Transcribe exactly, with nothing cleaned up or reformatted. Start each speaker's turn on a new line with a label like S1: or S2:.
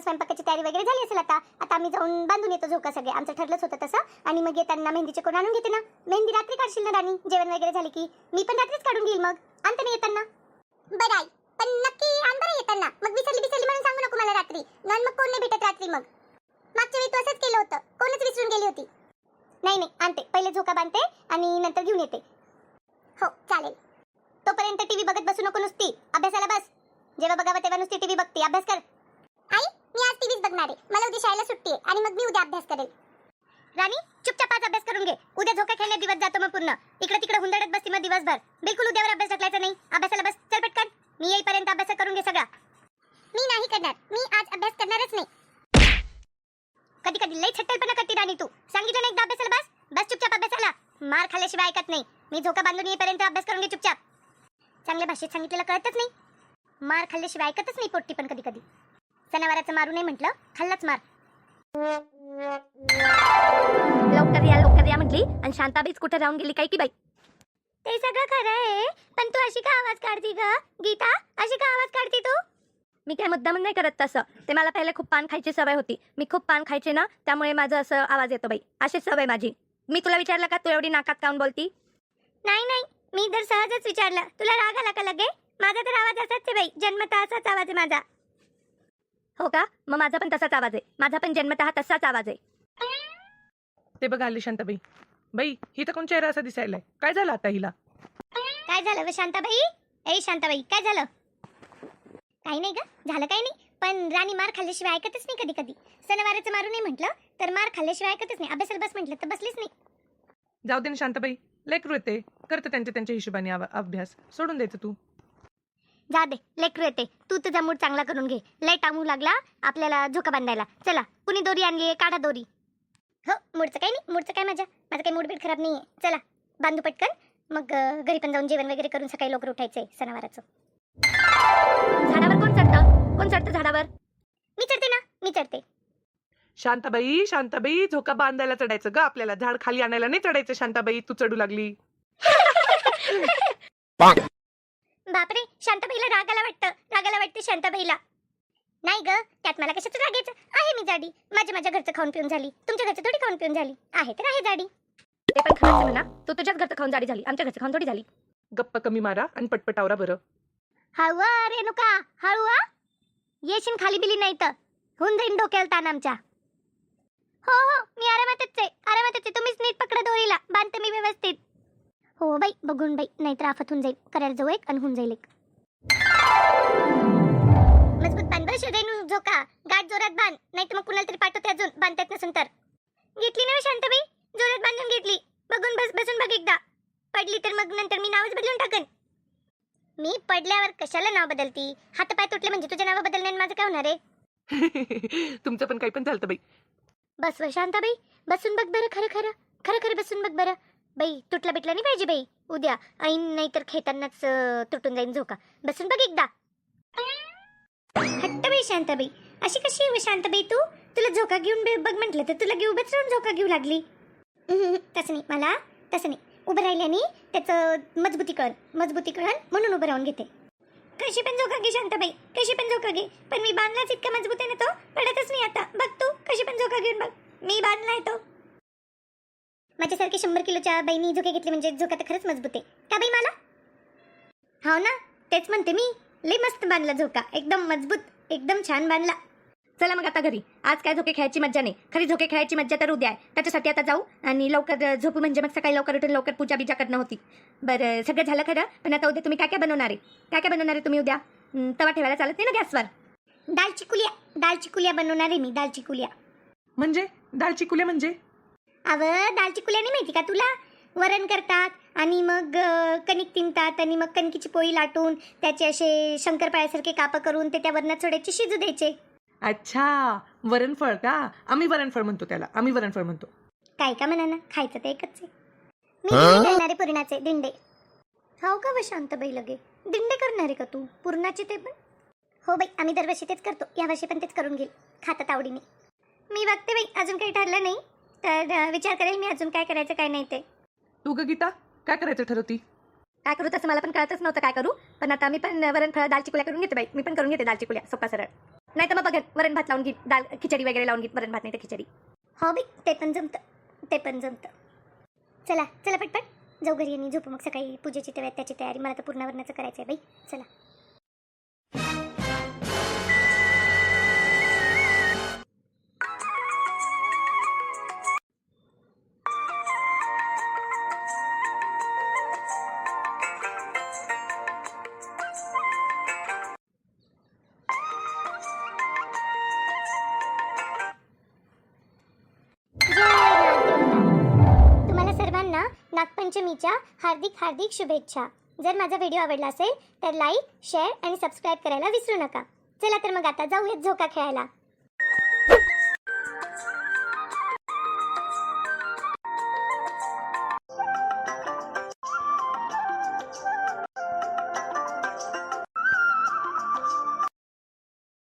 S1: स्वयंपाकाची तयारी वगैरे झाली असेल. आता आता आम्ही जाऊन बांधून येतो झोका सगळे. आमचं ठरलंच होतं तसं. आणि मग येताना मेहंदीचे कोण आणून घेते ना. मेहंदी रात्री काढशील ना राणी, जेवण वगैरे झाली की. मी पण रात्रीच काढून घेईल मग. आणते ना येताना. बरं आई, पण नक्की आण बरं येताना. मग विसरली विसरली म्हणून सांगू नको मला रात्री. नॉन मग कोण नाही भेटत रात्री. मग मागच्या वेळी तू असंच केलं होतं, कोणच विसरून गेली होती. नाही नाही आणते, पहिले झोका बांधते आणि नंतर घेऊन येते. हो चालेल. तोपर्यंत टीव्ही बघत बसू नको नुसती, अभ्यासाला बस. जेव्हा बघावं तेव्हा नुसती टीव्ही बघते, अभ्यास कर. आई मी आज टीव्हीच बघणार आहे. मला उद्या शाळेला सुट्टी आहे आणि मग मी उद्या अभ्यास करेल. राणी चुपचाप आज अभ्यास करून घे. उद्या झोका खेळण्यात दिवस जातो मग पूर्ण. इकडे तिकडे हुंदडत बसती मग दिवसभर. बिलकुल उद्यावर अभ्यास ढकलायचा नाही. अभ्यासाला बस, चल पटकन. मी येईपर्यंत अभ्यास करून घे सगळा. मी नाही करणार, मी आज अभ्यास करणारच नाही. कधी कधी लई छट्टलपणा करते राणी तू. सांगितलं ना एकदा अभ्यासाला बस. बस चुपचाप अभ्यासाला. मार खाल्ल्याशिवाय ऐकत नाही. मी झोका बांधून येईपर्यंत अभ्यास करून घे चुपचाप. चांगल्या भाषेत सांगितलेलं कळतच नाही. मार खाल्ल्याशिवाय ऐकतच नाही पोट्टी पण कधी कधी. सणावाराचं मारू नाही म्हटलं, खाल्लाच मार.
S2: लवकर या लवकर या म्हटली आणि शांताबाईच कुठे राहून गेली काय की बाई.
S1: ते सगळं खरं आहे, पण तू अशी का आवाज काढती ग गीता? अशी का आवाज काढती तू?
S2: मी काय मुद्दाम नाही करत तसं. ते मला पहिले खूप पान खायची सवय होती. मी खूप पान खायचे ना, त्यामुळे माझं असं आवाज येतो बाई. अशीच सवय माझी. मी तुला विचारलं का तू एवढी नाकात काऊन बोलती?
S1: नाही नाही, मी तर सहजच विचारलं. तुला राग आला का लगे? माझा तर आवाज असाच आहे बाई, जन्मतः असाच आवाज आहे माझा.
S2: हो का? मग माझा पण तसाच आवाज आहे. माझा पण जन्मतः तसाच आवाज आहे.
S3: ते बघा आली शांताबाई. बाई ही तर कोण चेहरा असा दिसायलाय. काय झालं आता हिला?
S1: काय झालं व शांताबाई? ए शांताबाई काय झालं? काही नाही ग, झालं काही नाही. पण राणी मार खाल्ल्याशिवाय ऐकतच नाही कधी कधी. सणवाराचं मारू नाही म्हटलं तर मार खाल्ल्याशिवाय ऐकतच नाही. अभ्यासाला बस म्हटलं तर बसलीच नाही.
S3: जाऊ दे ना शांताबाई, लेकरू येते, करते त्यांच्या त्यांच्या हिशोबाने आव- अभ्यास. सोडून द्यायचं तू.
S1: जा दे, लेकरू येते. तू तुझा मूड चांगला करून घे. लय टामू लागला आपल्याला झोका बांधायला. चला कुणी दोरी आणली, काढा दोरी. हो मूडचं काही नाही, मूडचं काय माझ्या माझं काही मूड बीड खराब नाहीये. चला बांधू पटकन. मग अं, घरी पण जाऊन जेवण वगैरे करून सकाळी लवकर उठायचंय सणावाराचं.
S2: झाडावर कोण चढतं? कोण चढतं झाडावर?
S1: मी चढते ना, मी चढते.
S3: शांताबाई शांताबाई झोका बांधायला चढायचं ग आपल्याला. झाड खाली आणायला नाही चढायचं. शांताबाई तू चढू लागली.
S1: बापरे, शांताबाईला रागाला वाटतं. रागाला वाटते शांताबाईला. नाही ग, त्यात मला कशाचं रागायचं आहे. मी जाडी. माझ्या माझ्या घरचं खाऊन पिऊन झाली. तुमच्या घरचं थोडी खाऊन पिऊन झाली आहे. तर आहे जाडी.
S2: ते पण खरंच म्हणा. तू तुझ्याच घरचं खाऊन जाडी झाली, आमच्या घरचं खाऊन थोडी झाली.
S3: गप्पा कमी मारा आणि पटपट आवरा बरं.
S1: हळू आ रेणुका, हळू आ. येशील खाली बिली नाही तर होऊन जाईन डोक्याला ताण आमच्या. हो हो मी आरामातच आहे, आरामातच आहे. तुम्हीच नीट पकडा दोरीला, बांधते मी व्यवस्थित. हो बाई, बघून बाई, नाहीतर आफत होऊन जाईल. करायला जाऊ एक आणि होऊन जाईल एक. मजबूत बांध बरं रेणू झोका. गाठ जोरात बांध, नाही तर मग कुणाला तरी पाठवते अजून. बांधतात नसून तर. घेतली ना शांताबाई, जोरात बांधून घेतली. बघून बस, बसून बघ एकदा. पडली तर मग नंतर मी नावच बदलून टाकन. मी पडल्यावर कशाला नाव बदलती? हात पाय तुटले म्हणजे तुझे नाव बदलण्याने माझं काय होणार आहे?
S3: तुमचं पण काही पण झालं बाई.
S1: बस व शांताबाई, बसून बघ बरं. खरं खरं खरं खरं बसून बघ बरं. बाई तुटला बिटला नाही पाहिजे बाई उद्या. ऐन नाही तर खेळतानाच अं, तुटून जाईन झोका. बसून बघ एकदा. हट्ट बाई शांताबाई, अशी कशी आहे व शांताबाई तू? तुला झोका घेऊन बे- बघ म्हटलं तर तुला घेऊ उभंच राहून झोका घेऊ लागली. उहुहु, तसं नाही मला, तसं नाही. उभं राहिल्याने त्याचं मजबूती कळण मजबूती कळण म्हणून उभं राहून घेते. कशी पण झोका घे शांताबाई, कशी पण झोका घे. पण मी बांधलाच इतका मजबूत आहे ना, तो पडतच नाही आता. बघ तू कशी पण झोका घेऊन बघ. मी बांधलाय तो. माझ्यासारखी शंभर किलोच्या बाईनी झोके घेतले म्हणजे झोका तर खरंच मजबूत आहे का बाई मला? हो ना, तेच म्हणते मी. लई मस्त बांधला झोका, एकदम मजबूत, एकदम छान बांधला.
S2: चला मग आता घरी. आज काय झोके खेळायची मज्जा नाही. खरी झोके खेळायची मज्जा तर उद्या आहे. त्याच्यासाठी आता जाऊ आणि लवकर झोपू म्हणजे मग सकाळी लवकर उठून लवकर पूजा बिजा करणं होती. बरं सगळं झालं खरं. पण आता उद्या तुम्ही काय काय बनवणार आहे? काय काय बनवणार आहे तुम्ही उद्या? हं, तवा ठेवायला चालत नाही ना गॅसवर.
S1: दाल चिकुलिया, दाल चिकुलिया बनवणार आहे मी. दाल चिकुलिया
S3: म्हणजे दाल चिकुल्या म्हणजे?
S1: अव दाल चिकुलिया नाही माहिती का तुला? वरण करतात आणि मग अं, कणिक तिंबतात आणि मग कणकीची पोळी लाटून त्याचे असे शंकरपाळ्यासारखे कापं करून ते त्या वरणात सोडायचे, शिजू द्यायचे.
S3: अच्छा, वरणफळ का? आम्ही वरणफळ म्हणतो त्याला. आम्ही वरणफळ म्हणतो.
S1: काय का म्हणा ना, खायचं ते एकच आहे. मी दिंडे करणारे पुरणाचे दिंडे. हो का व शांताबाई लगे दिंडे करणारे का तू पुरणाचे ते पण? हो बाई, आम्ही दरवर्षी तेच करतो. यावर्षी पण तेच करून घेईल. खातात आवडीने. मी बघते बाई, अजून काही ठरलं नाही तर अं, विचार करेल मी अजून काय करायचं काय नाही ते.
S3: तू ग गीता काय करायचं ठरवती?
S2: काय करू तसं मला पण कळतच नव्हतं काय करू. पण आता मी पण वरण फळ दाल चिकुल्या करून घेते बाई. मी पण करून घेते दाल चिकुल्या, सोपा सरळ. नाही तर मग बघ वरण भात लावून घे, दाल खिचडी वगैरे लावून घे, वरण भात नाही तर खिचडी.
S1: हो बाई ते पण जमतं ते पण जमतं. चला चला पटपट जाऊ घरी आणि झोपू मग. सकाळी पूजेची तयारी त्याची तयारी मला तर पूर्णावरणाचं करायचं आहे बाई. चला. तुम्हाला सर्वांना नागपंचमीच्या हार्दिक हार्दिक शुभेच्छा. जर माझा व्हिडिओ आवडला असेल तर लाईक शेअर आणि सबस्क्राईब करायला विसरू नका. चला तर मग आता जाऊयात झोका खेळायला.